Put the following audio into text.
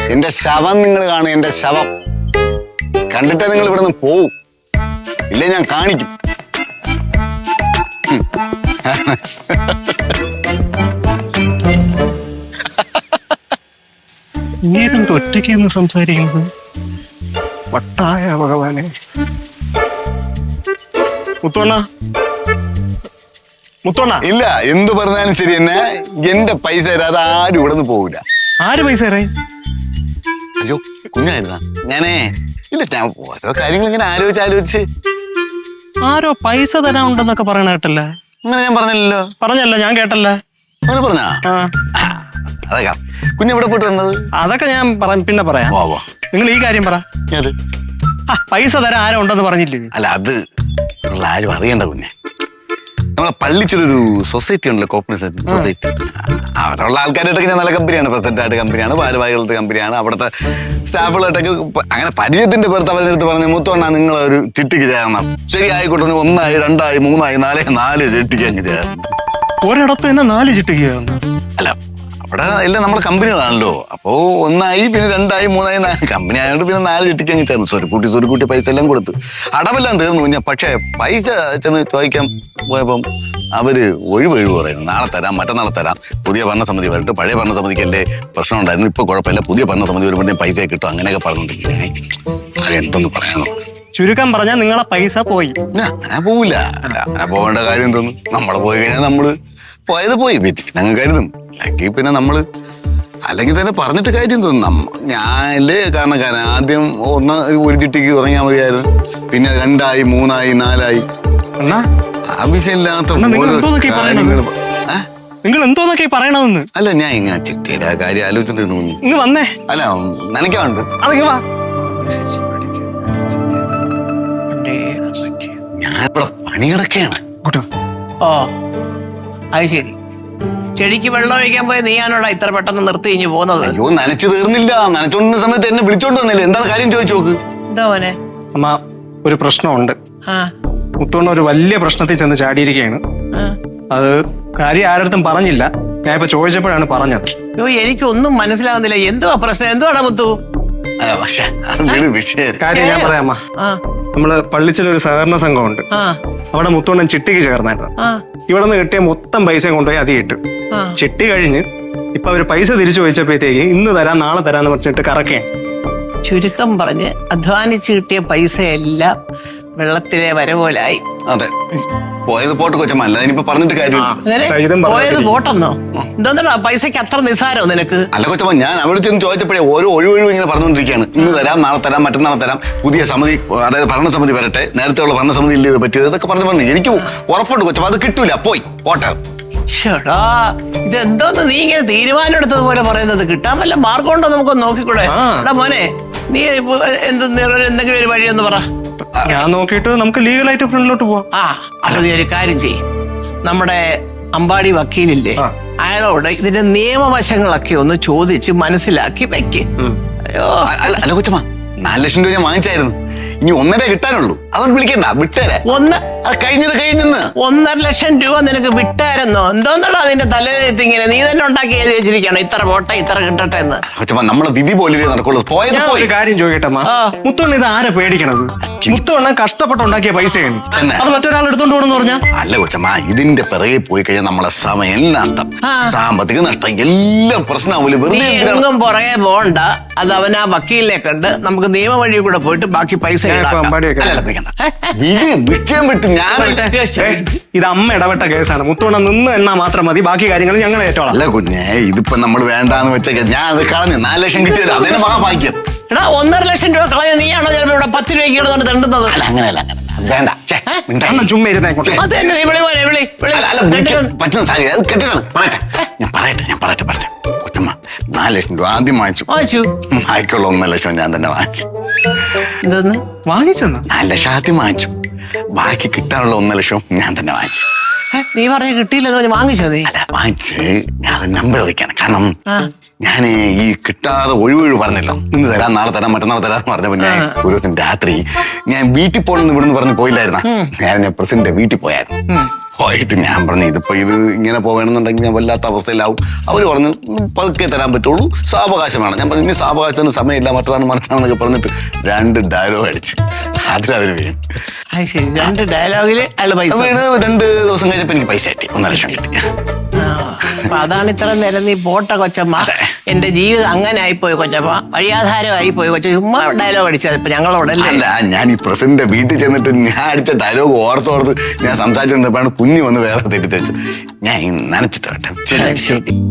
എന്റെ ശവം നിങ്ങൾ കാണും, എന്റെ ശവം കണ്ടിട്ടേ നിങ്ങൾ ഇവിടുന്ന് പോവും, ഇല്ലേ ഞാൻ കാണിക്കും. നീതെന്ത് ഒറ്റയ്ക്ക് എന്ന് സംസാരിക്കുന്നത്? വട്ടായ ഭഗവാനെ. മുത്തോണ്ണ, മുത്തോണ്ണ. ഇല്ല, എന്തു പറഞ്ഞാലും ശരി തന്നെ എന്റെ പൈസ തരാതെ ആരും ഇവിടെ നിന്ന് പോവില്ല. ആര് പൈസ തരായി? അയ്യോ കുഞ്ഞായിരുന്ന ഞാനേ ഇല്ല, ഞാൻ ഓരോ കാര്യങ്ങൾ ഇങ്ങനെ ആലോചിച്ച് ആരോ പൈസ തരാനുണ്ടെന്നൊക്കെ പറയണ കേട്ടല്ലേ? അങ്ങനെ ഞാൻ പറഞ്ഞില്ലല്ലോ. പറഞ്ഞല്ല, ഞാൻ കേട്ടല്ല. അങ്ങനെ പറഞ്ഞാ അതൊക്കെ കുഞ്ഞെവിടെ പോയിട്ട് വന്നത്? അതൊക്കെ ഞാൻ പിന്നെ പറയാം. നിങ്ങൾ ഈ കാര്യം പറ. പൈസ തരാൻ ആരോ ഉണ്ടെന്ന് പറഞ്ഞില്ലേ? അല്ല, അത് ആരും അറിയണ്ട കുഞ്ഞെ. നമ്മളെ പള്ളിച്ചൊരു സൊസൈറ്റി ഉണ്ടല്ലോ, കോപ്പറേറ്റീവ് സൊസൈറ്റി. അവരുള്ള ആൾക്കാരായിട്ടൊക്കെ ഞാൻ നല്ല കമ്പനിയാണ്, പ്രസിഡന്റായിട്ട് കമ്പനിയാണ്, ഭാരവാഹികളുടെ കമ്പനിയാണ്, അവിടുത്തെ സ്റ്റാഫുകളായിട്ടൊക്കെ അങ്ങനെ പരിചയത്തിന്റെ പുറത്ത് അവരുടെ അടുത്ത് പറഞ്ഞ് മുത്തോണ്ണ നിങ്ങൾ ഒരു ചിട്ടിക്ക് ചേരണം. ശരി ആയിക്കോട്ടെ, 1 ആയി 2 ആയി 3 ആയി 4 ചിട്ടിക്ക് അങ്ങ് ചേർന്നു. ഒരിടത്ത് തന്നെ 4 ചിട്ടിക്ക്? അല്ല, അവിടെ എല്ലാം നമ്മുടെ കമ്പനികളാണല്ലോ. അപ്പോ 1 ആയി, പിന്നെ 2 ആയി 3 ആയി 4 കമ്പനി ആയതുകൊണ്ട് പിന്നെ 4 ചിട്ടിക്ക് അങ്ങ് ചേർന്നു. സ്വരുക്കൂട്ടി പൈസ എല്ലാം കൊടുത്ത് അടവെല്ലാം തീർന്നു. ഞാൻ പക്ഷേ പൈസ ചെന്ന് ചോദിക്കാൻ പോയപ്പം അവര് ഒഴിവ് പറയുന്നു. നാളെ തരാം, മറ്റന്നാളെ തരാം, പുതിയ ഭരണസമിതി വരട്ടെ, പഴയ ഭരണസമിതിക്ക് എന്റെ പ്രശ്നം ഉണ്ടായിരുന്നു, ഇപ്പൊ കുഴപ്പമില്ല, പുതിയ ഭരണസമിതി വരുമ്പോഴേ പൈസ കിട്ടും, അങ്ങനെയൊക്കെ പറഞ്ഞോണ്ടിരിക്കും. അത് എന്തൊന്ന് പറയണോ? ചുരുക്കം പറഞ്ഞാൽ നിങ്ങളെ പൈസ പോയി. അങ്ങനെ പോവില്ല. അങ്ങനെ പോകേണ്ട കാര്യം എന്തോന്നു? നമ്മള് പോയി കഴിഞ്ഞാൽ നമ്മള് പോയത് പോയി ഞങ്ങൾ കരുതും. അല്ലെങ്കിൽ പിന്നെ നമ്മള് അല്ലെങ്കിൽ തന്നെ പറഞ്ഞിട്ട് കാര്യം തോന്നും. ഞാനല്ലേ കാരണക്കാരൻ. ആദ്യം 1 ചിട്ടിക്ക് തുടങ്ങിയാൽ മതിയായിരുന്നു, പിന്നെ 2 ആയി 3 ആയി 4 ആയി. ആവശ്യമില്ലാത്ത നിങ്ങൾ എന്തോന്നൊക്കെ പറയണതെന്ന്. അല്ല, ഞാൻ ഇങ്ങനെ ചിട്ടിയുടെ കാര്യം ആലോചിച്ചോണ്ടിരുന്നു. ഇങ്ങ് വന്നേ. അല്ല, നനയ്ക്കാറുണ്ട്. ഞാനിവിടെ പണികിടക്കുകയാണ്. ഓ, അത് ശരി. ചെടിക്ക് വെള്ളം ഒഴിക്കാൻ പോയ നീയാണോടാ ഇത്ര പെട്ടെന്ന് നിർത്തി കഴിഞ്ഞ് പോകുന്നത്? അയ്യോ, നനച്ചു തീർന്നില്ല. നനച്ചോണ്ടിരുന്ന സമയത്ത് എന്നെ വിളിച്ചോണ്ട് വന്നില്ല. എന്താണ് കാര്യം ചോദിച്ചു നോക്ക്. എന്താ മോനെ? അമ്മ, ഒരു പ്രശ്നമുണ്ട്. മുത്തോണ്ണ ഒരു വലിയ പ്രശ്നത്തിൽ ചെന്ന് ചാടിയിരിക്കുകയാണ്. അത് കാര്യം ആരടുത്തും പറഞ്ഞില്ല. ഞാൻ ഇപ്പൊ ചോദിച്ചപ്പോഴാണ് പറഞ്ഞത്. അയ്യോ, എനിക്കൊന്നും മനസ്സിലാകുന്നില്ല. എന്തുവാ പ്രശ്നം? എന്തുവാടാ മുത്തു? കാര്യം ഞാൻ പറയാമ്മ. നമ്മള് പള്ളിച്ചൊരു സഹകരണ സംഘമുണ്ട്. അവിടെ മുത്തോണ്ണൻ ചിട്ടിക്ക് ചേർന്നായിരുന്നു. ഇവിടെ നിന്ന് കിട്ടിയ മൊത്തം പൈസ കൊണ്ടുപോയി അത് ഇട്ടു. ചിട്ടി കഴിഞ്ഞ് ഇപ്പൊ അവര് പൈസ തിരിച്ചു ചോദിച്ചപ്പോഴത്തേക്ക് ഇന്ന് തരാം നാളെ തരാന്ന് പറഞ്ഞിട്ട് കറക്കേ. ചുരുക്കം പറഞ്ഞ് അധ്വാനിച്ച് കിട്ടിയ പൈസ എല്ലാം വെള്ളത്തിലെ വരപോലായി. അതെ, പോയത് പോട്ട് കൊച്ചമ്മ, അല്ല ഇനിയിപ്പോ പറഞ്ഞിട്ട് കാര്യം. പോയത് പോട്ടെന്നോ? എന്താ പൈസക്ക് അത്ര നിസാരോ നിനക്ക്? അല്ല കൊച്ചമ്മ, ഞാൻ അവിടെ ചെന്ന് ചോദിച്ചപ്പോഴേ ഓരോ ഒഴിവൊഴിവ് ഇങ്ങനെ പറഞ്ഞുകൊണ്ടിരിക്കുകയാണ്. ഇന്ന് തരാം, നാളെ തരാം, മറ്റന്നാളെ തരാം, പുതിയ സമിതി, അതായത് ഭരണസമിതി വരട്ടെ, നേരത്തെ ഉള്ള ഭരണസമിതി ഇല്ല, ഇത് പറ്റിയത്, ഇതൊക്കെ പറഞ്ഞു. എനിക്ക് ഉറപ്പുണ്ട് കൊച്ചമ്മ, അത് കിട്ടൂല. പോട്ടെ. ഷടാ, ഇതെന്തോന്ന് നീ ഇങ്ങനെ തീരുമാനം എടുത്തതുപോലെ പറയുന്നത്? കിട്ടാൻ വല്ല മാർഗം ഉണ്ടോ നമുക്കൊന്ന് നോക്കിക്കൂടെ? എടാ മോനെ, നീ എന്തെങ്കിലും ഒരു വഴിയൊന്ന് പറ. ഞാൻ നോക്കിയിട്ട് നമുക്ക് ലീഗലായിട്ട് ഫ്രണ്ടിലോട്ട് പോവാം. അത് നീ ഒരു കാര്യം ചെയ്യ്. നമ്മുടെ അമ്പാടി വക്കീലില്ലേ, അയാളോട് ഇതിന്റെ നിയമവശങ്ങളൊക്കെ ഒന്ന് ചോദിച്ച് മനസ്സിലാക്കി വെക്ക്. അയ്യോ, അല്ല കൊച്ചമ്മ, 4 ലക്ഷം രൂപ ഞാൻ വാങ്ങിച്ചായിരുന്നു. ഇനി 1.5 കിട്ടാനുള്ളൂ. അതുകൊണ്ട് വിളിക്കണ്ട, വിട്ടേരെ. അത് കഴിഞ്ഞെന്ന്. 1.5 ലക്ഷം രൂപ നിനക്ക് വിട്ടായിരുന്നോ? എന്തോന്നാ അതിന്റെ തലയിലെത്തി ഇങ്ങനെ നീ തന്നെ ഉണ്ടാക്കി എഴുതി വെച്ചിരിക്കണം, ഇത്ര പോട്ടെ ഇത്ര കിട്ടട്ടെ എന്ന്. നമ്മളെ വിധി പോലെ നടക്കുള്ളൂ. ഒരു കാര്യം ചോദിക്കട്ടമ്മ, മുത്തോണ്ണ ഇത് ആരെ പേടിക്കണത്? മുത്തോണ്ണ കഷ്ടപ്പെട്ടുണ്ടാക്കിയ പൈസയാണ്, അത് മറ്റൊരാൾ എടുത്തോണ്ട് പോകണമെന്ന് പറഞ്ഞാ? അല്ല കൊച്ചമ്മ, ഇതിന്റെ പിറകെ പോയി കഴിഞ്ഞാൽ നമ്മളെ സമയം നഷ്ടം, സാമ്പത്തിക നഷ്ടം, എല്ലാം പ്രശ്നമാവില്ല. വെറുതെ എങ്ങും പുറകെ പോകണ്ട. അത് അവൻ ആ വക്കീലിനെ കണ്ട് നമുക്ക് നിയമ വഴി കൂടെ പോയിട്ട് ബാക്കി പൈസ വിഷയം വിട്ട് ഞാൻ. ഇത് അമ്മ ഇടപെട്ട കേസാണ്. മുത്തോണ്ണ നിന്ന് എണ്ണാ മാത്രം മതി, ബാക്കി കാര്യങ്ങൾ ഞങ്ങൾ ഏറ്റോളാം. അല്ല കുഞ്ഞേ, ഇതിപ്പോ നമ്മൾ വേണ്ടാന്ന് വെച്ച ഞാൻ അത് കളഞ്ഞു. 4 ലക്ഷം കിട്ടിയത് അതിന് മഹാഭാഗ്യം. എടാ, 1.5 ലക്ഷം രൂപ കളഞ്ഞ നീയാണോ ചിലപ്പോ ഇവിടെ 10 രൂപയ്ക്ക് ഇടുന്നത് തണ്ടുന്നത്? അങ്ങനെയല്ല, വേണ്ട. ചുമ്മാ ഇരുന്നേ. പറ്റുന്ന സാഹചര്യം അത് കെട്ടിയതാണ്. ഞാൻ പറയട്ടെ കൊച്ചമ്മ, 4 ലക്ഷം രൂപ ആദ്യം വാങ്ങിച്ചു. ബാക്കിയുള്ള 1 ലക്ഷം ഞാൻ തന്നെ വാങ്ങിച്ചു. വാങ്ങിച്ചെന്ന് 4 ലക്ഷം ആദ്യം വാങ്ങിച്ചു, ബാക്കി കിട്ടാനുള്ള 1 ലക്ഷം ഞാൻ തന്നെ വാങ്ങിച്ചു. നീ പറഞ്ഞ കിട്ടിയില്ലെന്ന് വാങ്ങിച്ചോ? നീ അല്ല, വാങ്ങിച്ച് ഞാൻ നമ്പർ വിളിക്കാണ്. കാരണം ഞാൻ ഈ കിട്ടാതെ ഒഴിവൊഴിവ് പറഞ്ഞല്ലോ, ഇന്ന് തരാം നാളെ തരാം മറ്റന്നാളെ തരാന്ന് പറഞ്ഞപ്പോ ഞാൻ ഒരു ദിവസം രാത്രി ഞാൻ വീട്ടിൽ പോകണമെന്ന് ഇവിടുന്ന് പറഞ്ഞ് പോയില്ലായിരുന്ന, ഞാൻ പ്രസിഡന്റ് വീട്ടിൽ പോയായിരുന്നു. പോയിട്ട് ഞാൻ പറഞ്ഞു ഇതിപ്പോ ഇത് ഇങ്ങനെ പോകണമെന്നുണ്ടെങ്കിൽ ഞാൻ വല്ലാത്ത അവസ്ഥയിലാവും. അവർ പറഞ്ഞു പതുക്കെ തരാൻ പറ്റുള്ളൂ, സാവകാശമാണ്. ഞാൻ പറഞ്ഞു ഇനി സാവകാശത്തിന് സമയമില്ല, മറ്റതാണ് മറിച്ചാണെന്നൊക്കെ പറഞ്ഞിട്ട് 2 ഡയലോഗ് അടിച്ച് അതിലവർ വീണു. അത് ശരി, 2 ഡയലോഗില് അയാള് പൈസ വീണ് 2 ദിവസം കഴിഞ്ഞപ്പോ എനിക്ക് പൈസ കിട്ടി, 1.5 ലക്ഷം കിട്ടി. അപ്പൊ അതാണ് ഇത്ര നേരം നീ പോട്ട കൊച്ചമ്മ, എന്റെ ജീവിതം അങ്ങനെ ആയിപ്പോയി കൊച്ചമ്മ, വഴിയാധാരമായി പോയി കൊച്ച, ചുമ്മാ ഡയലോഗ് അടിച്ചത് ഇപ്പൊ ഞങ്ങളോടല്ലേ. അല്ല, ഞാൻ ഈ പ്രസിഡന്റിന്റെ വീട്ടിൽ ചെന്നിട്ട് ഞാൻ അടിച്ച ഡയലോഗ് ഓർത്തോർത്ത് ഞാൻ സംസാരിച്ചിരുന്നപ്പോഴാണ് കുഞ്ഞ് വന്ന് വേറെ തെറ്റിദ്ധരിച്ചത്. ഞാൻ നനച്ചിട്ട് കേട്ടോ. ശരി.